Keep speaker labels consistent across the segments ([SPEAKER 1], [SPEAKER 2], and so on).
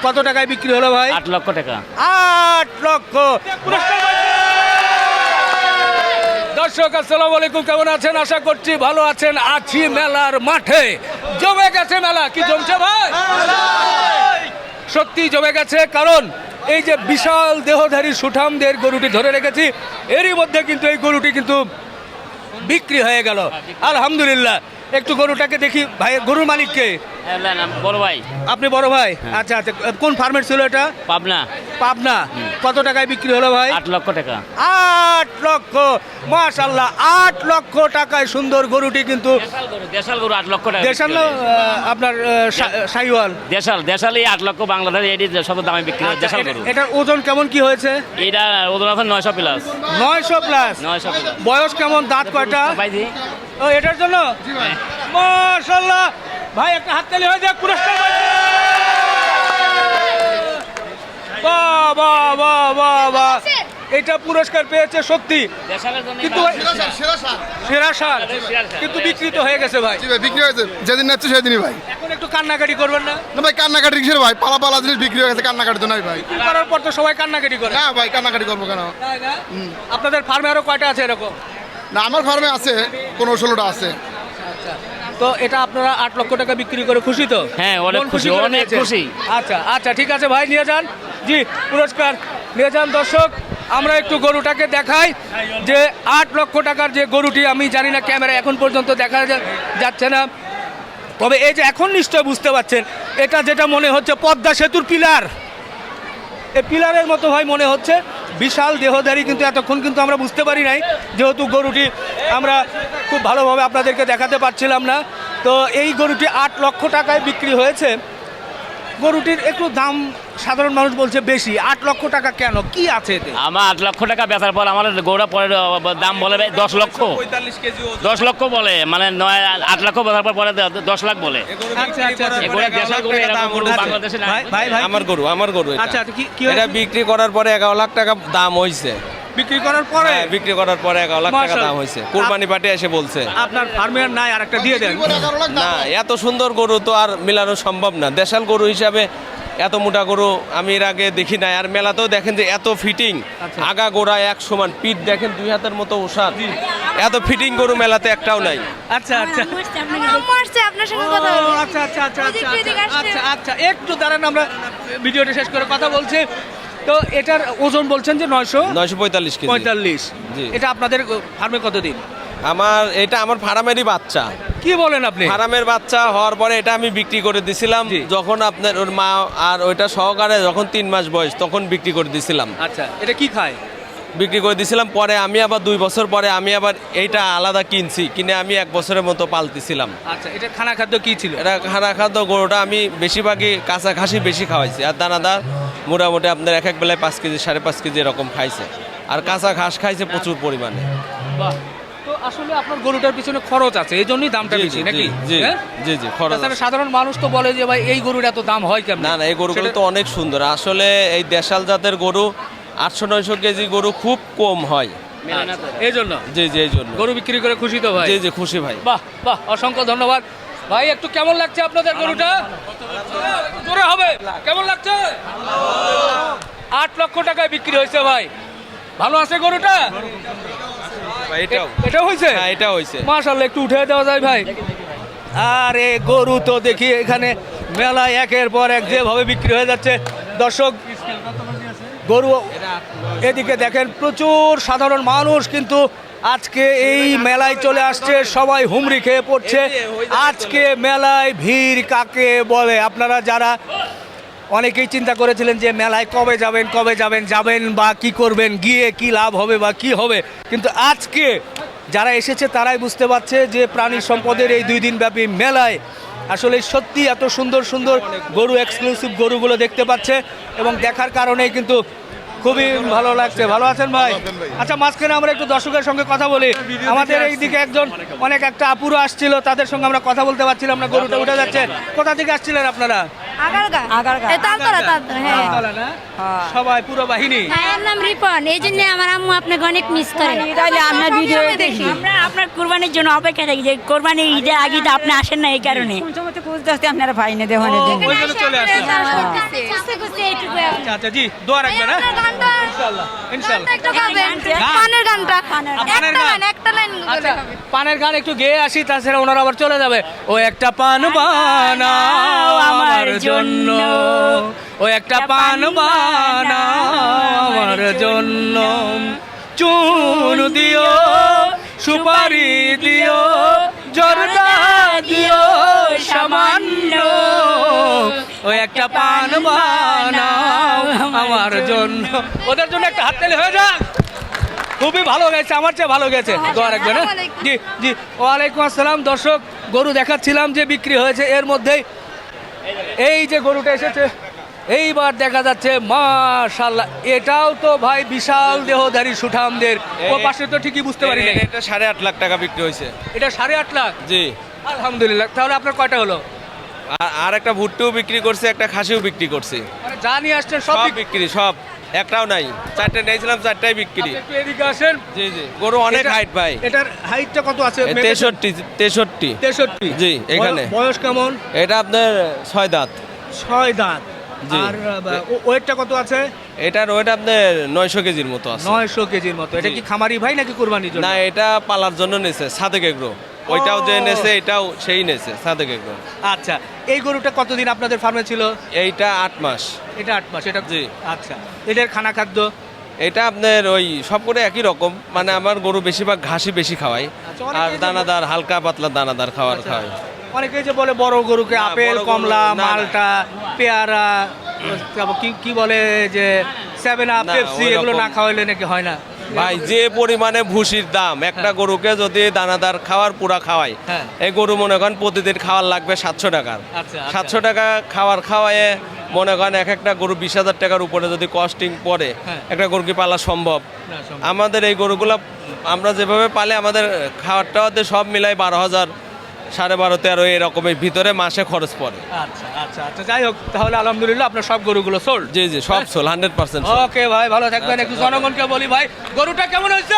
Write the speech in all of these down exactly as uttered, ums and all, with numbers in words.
[SPEAKER 1] কত টাকায় বিক্রি হলো ভাই?
[SPEAKER 2] আট লক্ষ টাকা।
[SPEAKER 1] আট লক্ষ। দর্শক আসসালামু আলাইকুম, কেমন আছেন? আশা করছি ভালো আছেন। আছি মেলার মাঠে, জমে গেছে মেলা। কি জমছে ভাই? সত্যি জমে গেছে, কারণ এই যে বিশাল দেহধারী সুঠামদের গরুটি ধরে রেখেছি, এরই মধ্যে কিন্তু এই গরুটি কিন্তু বিক্রি হয়ে গেল আলহামদুলিল্লাহ। একটু গরুটাকে দেখি ভাই, গরুর মালিককে?
[SPEAKER 2] বড় ভাই।
[SPEAKER 1] আপনি বড় ভাই? আচ্ছা আচ্ছা, কোন ফার্মের ছিল এটা?
[SPEAKER 2] পাবনা।
[SPEAKER 1] পাবনা। কত টাকায় বিক্রি হলো ভাই?
[SPEAKER 2] আট লক্ষ টাকা।
[SPEAKER 1] আট লক্ষ, মাশাআল্লাহ। আট লক্ষ টাকায় সুন্দর গরুটি কিন্তু
[SPEAKER 2] দেশাল গরু, দেশাল গরু আট লক্ষ টাকা।
[SPEAKER 1] দেশাল না, আহ, আপনার শাহিওয়াল?
[SPEAKER 2] দেশাল, দেশালই আট লক্ষ বাংলাদেশ এটি সব দামে বিক্রি হয় দেশাল গরু।
[SPEAKER 1] এটার ওজন কেমন কি হয়েছে?
[SPEAKER 2] এটা ওজন আছে নয়শো প্লাস।
[SPEAKER 1] নয়শো প্লাস।
[SPEAKER 2] নয়শো প্লাস।
[SPEAKER 1] বয়স কেমন? দাঁত কয়টা?
[SPEAKER 2] পাইছি।
[SPEAKER 1] ও এটার জন্য মাশাআল্লাহ ভাই, একটা হাততালি হয়ে যাক। পুরস্কার বাহ বাহ বাহ বাহ বাহ, এটা পুরস্কার পেয়েছে সত্যি। কিন্তু সেরা সার কিন্তু বিক্রিত হয়ে গেছে ভাই।
[SPEAKER 3] বিক্রি হয়েছে যেদিন নাচ্ছে সেদিনই ভাই।
[SPEAKER 1] এখন একটু কান্নাকাটি করবেন না?
[SPEAKER 3] না ভাই, কান্নাকাটি কিসের ভাই? পালা পালা জিনিস বিক্রি হয়ে গেছে, কান্নাকাটি তো নাই ভাই।
[SPEAKER 1] বিক্রি করার পর তো সবাই কান্নাকাটি করে।
[SPEAKER 3] না ভাই, কান্নাকাটি করবো কেন?
[SPEAKER 1] তাই না? আপনাদের ফার্মে আরো কয়টা আছে এরকম?
[SPEAKER 3] না, আমার ফার্মে আছে পনেরো ষোলোটা আছে।
[SPEAKER 1] তো এটা আপনারা আট লক্ষ টাকা বিক্রি করে খুশি তো?
[SPEAKER 2] হ্যাঁ, অনেক
[SPEAKER 1] মন
[SPEAKER 2] খুশি,
[SPEAKER 1] করে
[SPEAKER 2] অনেক
[SPEAKER 1] নিয়েছেন?
[SPEAKER 2] খুশি।
[SPEAKER 1] আচ্ছা আচ্ছা, ঠিক আছে ভাই, নিয়ে যান। জি, পুরস্কার নিয়ে যান। দর্শক, আমরা একটু গরুটাকে দেখাই যে আট লক্ষ টাকার যে গরুটি, আমি জানি না ক্যামেরা এখন পর্যন্ত দেখা যা- যাচ্ছে না, তবে এই যে এখন নিশ্চয় বুঝতে পারছেন, এটা যেটা মনে হচ্ছে পদ্মা সেতুর পিলার, এই পিলারের মতো ভাই মনে হচ্ছে। বিশাল দেহধারী, কিন্তু এতক্ষণ কিন্তু আমরা বুঝতে পারি নাই, যেহেতু গরুটি আমরা খুব ভালোভাবে আপনাদেরকে দেখাতে পারছিলাম না। তো এই গরুটি আট লক্ষ টাকায় বিক্রি হয়েছে। গরুটির একটু দাম সাধারণ মানুষ বলছে বেশি। আট লক্ষ টাকা কেন, কি আছে এতে?
[SPEAKER 2] আমার আট লক্ষ টাকা বেচার পর আমার গৌড়া পরে দাম বলে দশ লক্ষ।
[SPEAKER 1] পঁয়তাল্লিশ কেজি
[SPEAKER 2] দশ লক্ষ বলে, মানে নয় আট লক্ষ বেচার পর পরে দশ লাখ বলে।
[SPEAKER 1] আচ্ছা আচ্ছা আচ্ছা।
[SPEAKER 2] এগুলো দেশাল গরু, এরকম গরু বাংলাদেশে নাই।
[SPEAKER 1] ভাই ভাই ভাই,
[SPEAKER 4] আমার গরু আমার গরু এটা।
[SPEAKER 1] আচ্ছা কি কি
[SPEAKER 4] এটা
[SPEAKER 1] হয়েছে?
[SPEAKER 4] বিক্রি করার পরে এগারো লাখ টাকা দাম হইছে।
[SPEAKER 1] বিক্রি করার পরে?
[SPEAKER 4] হ্যাঁ, বিক্রি করার পরে এগারো লাখ টাকা
[SPEAKER 1] মাশাআল্লাহ।
[SPEAKER 4] দাম হইছে। কুরবানি পার্টি এসে বলছে।
[SPEAKER 1] আপনার ফার্মে আর নাই, আর একটা দিয়ে দেন।
[SPEAKER 4] না, এত সুন্দর গরু তো আর মিলানো সম্ভব না। দেশাল গরু হিসাবে এত মোটা গরু আমি এর আগে দেখি নাই। আর মেলাতেও দেখেন যে এত ফিটিং,
[SPEAKER 1] আচ্ছা।
[SPEAKER 4] আগা গোড়া এক সমান, পিঠ দেখেন দুই হাতের মতো ওষাদ। এত ফিটিং গরু মেলাতে একটাও নাই।
[SPEAKER 1] আচ্ছা আচ্ছা
[SPEAKER 5] আম্মু আসছে আপনার সঙ্গে কথা
[SPEAKER 1] ও,
[SPEAKER 5] বলতে।
[SPEAKER 1] আচ্ছা আচ্ছা আচ্ছা
[SPEAKER 5] ওই যে
[SPEAKER 1] আচ্ছা
[SPEAKER 5] একটু এদিকে
[SPEAKER 1] আচ্ছা,
[SPEAKER 5] আসতে।
[SPEAKER 1] আচ্ছা আচ্ছা, একটু দাঁড়ান, আমরা ভিডিওটা শেষ করে কথা বলছি। তো এটার ওজন বলছেন যে নয়শো
[SPEAKER 4] নয়শো পঁয়তাল্লিশ কেজি।
[SPEAKER 1] পঁয়তাল্লিশ।
[SPEAKER 4] জি।
[SPEAKER 1] এটা আপনাদের ফার্মে কতদিন?
[SPEAKER 4] আমার এটা আমার ফার্মেরই বাচ্চা।
[SPEAKER 1] কি বলেন আপনি?
[SPEAKER 4] ফার্মের বাচ্চা হওয়ার পরে এটা আমি বিক্রি করে দিছিলাম।
[SPEAKER 1] জি।
[SPEAKER 4] যখন আপনার ওর মা আর ওইটা সহকারে যখন তিন মাস বয়স, তখন বিক্রি করে দিছিলাম।
[SPEAKER 1] আচ্ছা, এটা কি খায়?
[SPEAKER 4] বিক্রি করে দিছিলাম। পরে আমি আবার দুই বছর পরে আমি আবার এইটা আলাদা কিনছি, কিনে আমি এক বছরের মতো পালতেছিলাম।
[SPEAKER 1] আচ্ছা, এটা খানা খাদ্য কি ছিল?
[SPEAKER 4] এটা খানা খাদ্য গরুটা আমি বেশিরভাগই কাঁচা ঘাসই বেশি খাওয়াইছি। আর দানাদার মোটামুটি আপনার এক এক বেলায় পাঁচ কেজি সাড়ে পাঁচ কেজি এরকম খাইছে। আর কাঁচা ঘাস খাইছে প্রচুর পরিমাণে।
[SPEAKER 1] বাহ। তো আসলে আপনার গরুটার পিছনে খরচ আছে, এই জন্যই দামটা
[SPEAKER 4] জি,
[SPEAKER 1] বেশি
[SPEAKER 4] জি,
[SPEAKER 1] নাকি?
[SPEAKER 4] জি,
[SPEAKER 1] হ্যাঁ?
[SPEAKER 4] জি জি খরচ
[SPEAKER 1] তাছাড়া
[SPEAKER 4] আছে।
[SPEAKER 1] সাধারণ মানুষ তো বলে যে ভাই এই গরুর এত দাম হয় কেমন?
[SPEAKER 4] না না, এই গরুগুলো তো অনেক সুন্দর। আসলে এই দেশাল জাতের গরু আটশো নয়শো কেজি গরু খুব কম হয়।
[SPEAKER 1] এই জন্য
[SPEAKER 4] জি জি এই জন্য
[SPEAKER 1] গরু বিক্রি করে খুশি তো ভাই?
[SPEAKER 4] জি জি খুশি ভাই।
[SPEAKER 1] বাহ বাহ, অসংখ্য ধন্যবাদ ভাই। একটু কেমন লাগছে আপনাদের গরুটা? জোরে হবে, কেমন লাগছে? আট লক্ষ টাকায় বিক্রি হয়েছে ভাই। ভালো আছে গরুটা?
[SPEAKER 4] ভাই, এটাও
[SPEAKER 1] এটা হয়েছে?
[SPEAKER 4] হ্যাঁ, এটা হয়েছে।
[SPEAKER 1] মাশাআল্লাহ, একটু উঠে দেওয়া যায় ভাই? আরে গরু তো দেখি এখানে মেলায় একের পর এক যেভাবে বিক্রি হয়ে যাচ্ছে। দর্শক, গরু এদিকে দেখেন, প্রচুর সাধারণ মানুষ কিন্তু আজকে এই মেলায় চলে আসছে। সবাই হুমড়ি খেয়ে পড়ছে। আজকে মেলায় ভিড় কাকে বলে? আপনারা যারা অনেকেই চিন্তা করেছিলেন যে মেলায় কবে যাবেন কবে যাবেন যাবেন বা কি করবেন, গিয়ে কি লাভ হবে বা কি হবে, কিন্তু আজকে যারা এসেছে তারাই বুঝতে পারছে যে প্রাণী সম্পদের এই দুই দিন ব্যাপী মেলায় আসলে সত্যি এত সুন্দর সুন্দর গরু, এক্সক্লুসিভ গরুগুলো দেখতে পাচ্ছে এবং দেখার কারণেই কিন্তু খুবই ভালো লাগছে। ভালো আছেন ভাই? আচ্ছা, মাঝখানে আমরা একটু দর্শকের সঙ্গে কথা বলি। আমাদের এইদিকে একজন অনেক একটা আপুরো আসছিল, তাদের সঙ্গে আমরা কথা বলতে পারছিলাম না। গরুটা উঠে যাচ্ছে। কোথা থেকে আসছিলেন আপনারা?
[SPEAKER 5] আগারগা
[SPEAKER 6] আগারগা।
[SPEAKER 5] এ তালতলা তালতলা হ্যাঁ
[SPEAKER 1] তালতলা না?
[SPEAKER 6] হ্যাঁ।
[SPEAKER 1] সবাই পুরো বাহিনী
[SPEAKER 5] ভাইয়ের নাম রিপন এই জন্য আমার আম্মু আপনাকে অনেক মিস করে
[SPEAKER 6] তাহলে আমরা ভিডিও
[SPEAKER 5] সবসময়
[SPEAKER 6] দেখি
[SPEAKER 7] আমরা আপনার কোরবানির জন্য অপেক্ষা থাকি যে কোরবানির ঈদের আগে তো আপনি আসেন না এই কারণে
[SPEAKER 6] কোন সময় তো খুঁজতে আসতে আপনারা পাই না দেওয়ানের
[SPEAKER 1] ও,
[SPEAKER 6] জন্য
[SPEAKER 1] ওই জন্য চলে আসছে
[SPEAKER 5] খুঁজতে খুঁজতে এইটুকু
[SPEAKER 1] আচ্ছা আচ্ছা জি দোয়া রাখবেন হ্যাঁ
[SPEAKER 5] আপনার গানটা
[SPEAKER 1] ইনশাআল্লাহ ইনশাআল্লাহ
[SPEAKER 5] গানটা একটু গাবেন
[SPEAKER 1] গান?
[SPEAKER 5] পানের গানটা
[SPEAKER 1] পানের
[SPEAKER 5] একটা
[SPEAKER 1] গান?
[SPEAKER 5] লাইন একটা লাইন
[SPEAKER 1] আচ্ছা
[SPEAKER 5] বলে গাবেন
[SPEAKER 1] পানের গান একটু গেয়ে আসি তাছাড়া ওনারা আবার চলে যাবে ও একটা পান বানাও আমার জন্য ও একটা পান বানাও আমার জন্য চুন দিও সুপারি দিও জর্দা দিও সামান্য ও একটা পান বানাও আমার জন্য ওদের জন্য একটা হাততালি হয়ে যাক খুবই ভালো গেছে আমার চেয়ে ভালো গেছে দোয়া রাখবেন হ্যাঁ? জি জি ওয়ালাইকুম আসসালাম দর্শক গরু দেখাচ্ছিলাম যে বিক্রি হয়েছে এর মধ্যেই এই যে গরুটা এসেছে এইবার দেখা যাচ্ছে মাশাআল্লাহ এটাও তো ভাই বিশাল দেহধারী সুঠামদের ও পাশে তো ঠিকই বুঝতে পারি না
[SPEAKER 4] এটা সাড়ে আট লাখ টাকা বিক্রি হয়েছে
[SPEAKER 1] এটা সাড়ে আট লাখ
[SPEAKER 4] জি
[SPEAKER 1] আলহামদুলিল্লাহ তাহলে আপনার কয়টা হলো
[SPEAKER 4] আর আর একটা ভুট্টুও বিক্রি করছে একটা খাসিও বিক্রি করছে
[SPEAKER 1] মানে যা নিয়ে আসছেন সব
[SPEAKER 4] সব
[SPEAKER 1] বিক্রি-
[SPEAKER 4] বিক্রি সব একটাও নাই চারটে নিয়েছিলাম চারটাই বিক্রি
[SPEAKER 1] আপনি একটু এদিকে আসেন
[SPEAKER 4] জি জি গরু অনেক
[SPEAKER 1] এটা-
[SPEAKER 4] হাইট ভাই
[SPEAKER 1] এটার হাইটটা কত আছে
[SPEAKER 4] এ তেষট্টি তেষট্টি
[SPEAKER 1] তেষট্টি
[SPEAKER 4] জি, এখানে।
[SPEAKER 1] বয়স- বয়স কেমন
[SPEAKER 4] এটা আপনার ছয় দাঁত
[SPEAKER 1] ছয় দাঁত
[SPEAKER 4] জি।
[SPEAKER 1] আর ওয়েটটা কত আছে
[SPEAKER 4] এটার ওয়েট আপনার নয়শো কেজির মতো আছে
[SPEAKER 1] নয়শো কেজির মতো এটা
[SPEAKER 4] জি।
[SPEAKER 1] কি খামারি ভাই নাকি কুরবানির জন্য
[SPEAKER 4] না এটা পালার জন্য নেছে সাদেক এগ্রো ওইটাও যে
[SPEAKER 1] ও।
[SPEAKER 4] নেছে এটাও সেই নেছে সাদেক এগ্রো
[SPEAKER 1] আচ্ছা এই গরুটা কতদিন আপনাদের ফার্মে ছিল
[SPEAKER 4] এইটা আট মাস
[SPEAKER 1] এটা আট মাস এটা
[SPEAKER 4] জি।
[SPEAKER 1] আচ্ছা এটার খানা খাদ্য
[SPEAKER 4] এটা আপনার ওই সব করে একই রকম মানে আমার গরু বেশিরভাগ ঘাসই বেশি খাওয়াই
[SPEAKER 1] আচ্ছা, অনেকেই
[SPEAKER 4] আর
[SPEAKER 1] যে-
[SPEAKER 4] দানাদার হালকা পাতলা দানাদার খাবার
[SPEAKER 1] আচ্ছা।
[SPEAKER 4] খাওয়াই
[SPEAKER 1] অনেকেই যে বলে বড় গরুকে
[SPEAKER 4] না,
[SPEAKER 1] আপেল
[SPEAKER 4] বড় গরু-
[SPEAKER 1] কমলা
[SPEAKER 4] না, না।
[SPEAKER 1] মালটা পেয়ারা তারপর কি কি বলে যে সেভেন আপ
[SPEAKER 4] না,
[SPEAKER 1] পেপসি
[SPEAKER 4] ওইরকম-
[SPEAKER 1] এগুলো না খাওয়াইলে নাকি হয় না
[SPEAKER 4] ভাই যে পরিমাণে ভুসির দাম একটা গরুকে যদি দানাদার খাওয়ার পুরা খাওয়াই
[SPEAKER 1] হ্যাঁ।
[SPEAKER 4] এই গরু মনে করেন প্রতিদিন খাওয়ার লাগবে সাতশো টাকার
[SPEAKER 1] আচ্ছা, আচ্ছা।
[SPEAKER 4] সাতশো টাকা খাওয়ার খাওয়ায় মনে করেন এক একটা গরু বিশ হাজার টাকার উপরে যদি কস্টিং পড়ে
[SPEAKER 1] হ্যাঁ।
[SPEAKER 4] একটা গরু কি পালা সম্ভব
[SPEAKER 1] না, সম্ভব।
[SPEAKER 4] আমাদের এই গরুগুলো আমরা যেভাবে পালে আমাদের খাওয়ার টাওয়াতে সব মিলাই বারো হাজার সাড়ে বারো তেরো এরকমের ভিতরে মাসে খরচ পড়ে
[SPEAKER 1] আচ্ছা আচ্ছা আচ্ছা যাই হোক তাহলে আলহামদুলিল্লাহ আপনার সব গরুগুলো সোল্ড
[SPEAKER 4] জি জি সব সোল হান্ড্রেড পার্সেন্ট
[SPEAKER 1] ওকে ভাই ভালো থাকবেন একটু জনগণকে বলি ভাই গরুটা কেমন হয়েছে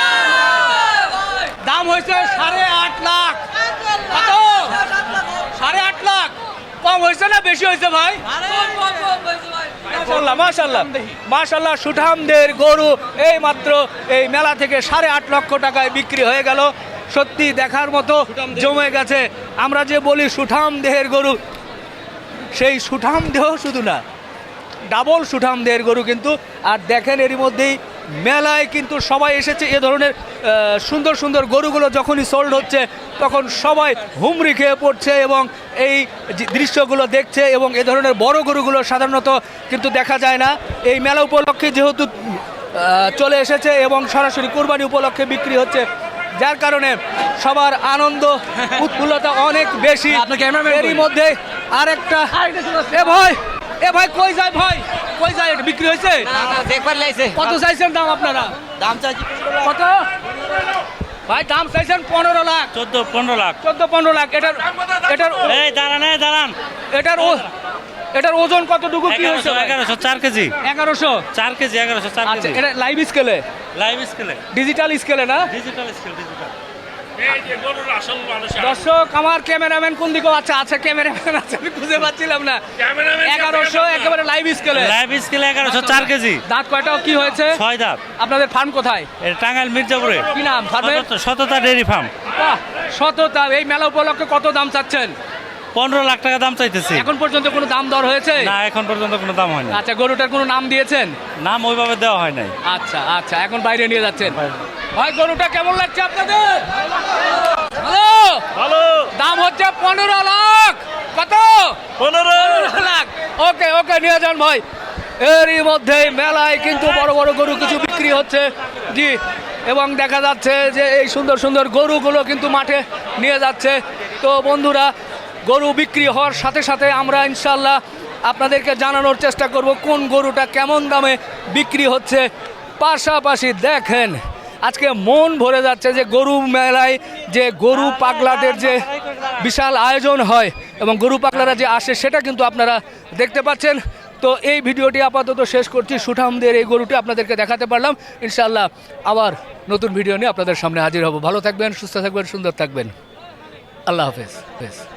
[SPEAKER 1] দাম হয়েছে সাড়ে আট লাখ কত সাড়ে আট লাখ কম হয়েছে না বেশি হয়েছে ভাই মাশাল্লাহ মাশাল্লাহ মাশাল্লাহ সুঠামদের গরু এই মাত্র এই মেলা থেকে সাড়ে আট লক্ষ টাকায় বিক্রি হয়ে গেল সত্যি দেখার মতো জমে গেছে আমরা যে বলি সুঠাম দেহের গরু সেই সুঠাম দেহ শুধু না ডাবল সুঠাম দেহের গরু কিন্তু আর দেখেন এরই মধ্যেই মেলায় কিন্তু সবাই এসেছে এ ধরনের আহ, সুন্দর সুন্দর গরুগুলো যখনই সোল্ড হচ্ছে তখন সবাই হুমড়ি খেয়ে পড়ছে এবং এই যে দৃশ্যগুলো দেখছে এবং এ ধরনের বড় গরুগুলো সাধারণত কিন্তু দেখা যায় না এই মেলা উপলক্ষে যেহেতু আহ, চলে এসেছে এবং সরাসরি কোরবানি উপলক্ষে বিক্রি হচ্ছে যার কারণে সবার আনন্দ উৎফুল্লতা অনেক বেশি এরই মধ্যে আরেকটা এ ভাই এ ভাই কই যায় ভাই কই যায় এটা বিক্রি হয়েছে
[SPEAKER 6] দেখবার লাইছে
[SPEAKER 1] কত চাইছেন দাম আপনারা
[SPEAKER 6] দাম চাইছি
[SPEAKER 1] কত ভাই দাম চাইছেন পনেরো লাখ
[SPEAKER 2] চোদ্দ পনেরো লাখ
[SPEAKER 1] চোদ্দ পনেরো লাখ এটার এটার ও-
[SPEAKER 2] এই দাঁড়ান এই দাঁড়ান
[SPEAKER 1] এটার ও- এটার ওজন কতটুকু কি হয়েছে
[SPEAKER 2] এগারোশো
[SPEAKER 1] ভাই?
[SPEAKER 2] এগারোশো চার কেজি
[SPEAKER 1] এগারোশো
[SPEAKER 2] চার কেজি এগারোশো চার
[SPEAKER 1] আচ্ছা
[SPEAKER 2] কেজি
[SPEAKER 1] এটা লাইভ স্কেলে
[SPEAKER 2] লাইভ স্কেলে
[SPEAKER 1] ডিজিটাল স্কেলে না
[SPEAKER 2] ডিজিটাল স্কেল ডিজিটাল
[SPEAKER 1] দর্শক আমার ক্যামেরাম্যান কোন দিকে আচ্ছা আচ্ছা ক্যামেরাম্যান আছে আমি খুঁজে পাচ্ছিলাম না এগারোশো একেবারে লাইভ স্কেলে
[SPEAKER 2] লাইভ স্কেলে এগারোশো চার কেজি
[SPEAKER 1] দাঁত কয়টাও কি হয়েছে
[SPEAKER 2] ছয় দাঁত
[SPEAKER 1] আপনাদের ফার্ম কোথায়
[SPEAKER 2] এটা টাঙ্গাইল মির্জাপুরে
[SPEAKER 1] কি নাম ফার্মের
[SPEAKER 2] সততা- সততা ডেয়ারি ফার্ম
[SPEAKER 1] বাহ, শততা এই মেলা উপলক্ষে কত দাম চাচ্ছেন
[SPEAKER 2] পনেরো লাখ টাকা দাম চাইতেছি
[SPEAKER 1] এখন পর্যন্ত কোনো দাম দর হয়েছে
[SPEAKER 2] না এখন পর্যন্ত কোনো দাম হয়নি
[SPEAKER 1] আচ্ছা গরুটার কোনো নাম দিয়েছেন
[SPEAKER 2] নাম ওইভাবে দেওয়া হয় নাই
[SPEAKER 1] আচ্ছা আচ্ছা এখন বাইরে নিয়ে যাচ্ছেন ভাই গরুটা কেমন লাগছে আপনাদের হ্যালো
[SPEAKER 2] ভালো
[SPEAKER 1] দাম হচ্ছে পনেরো লাখ কত
[SPEAKER 2] পনেরো
[SPEAKER 1] লাখ ওকে ওকে নিয়ে যান ভাই এরই মধ্যে মেলায় কিন্তু বড় বড় গরু কিছু বিক্রি হচ্ছে জি এবং দেখা যাচ্ছে যে এই সুন্দর সুন্দর গরুগুলো কিন্তু মাঠে নিয়ে যাচ্ছে তো বন্ধুরা গরু বিক্রি হওয়ার সাথে সাথে আমরা ইনশাল্লাহ আপনাদেরকে জানানোর চেষ্টা করব কোন গরুটা কেমন দামে বিক্রি হচ্ছে পাশাপাশি দেখেন আজকে মন ভরে যাচ্ছে যে গরু মেলায় যে গরু পাগলাদের যে বিশাল আয়োজন হয় এবং গরু পাগলারা যে আসে সেটা কিন্তু আপনারা দেখতে পাচ্ছেন। তো এই ভিডিওটি আপাতত শেষ করছি, সুঠামদের এই গরুটি আপনাদেরকে দেখাতে পারলাম। ইনশাআল্লাহ আবার নতুন ভিডিও নিয়ে আপনাদের সামনে হাজির হব। ভালো থাকবেন, সুস্থ থাকবেন, সুন্দর থাকবেন। আল্লাহ হাফেজ।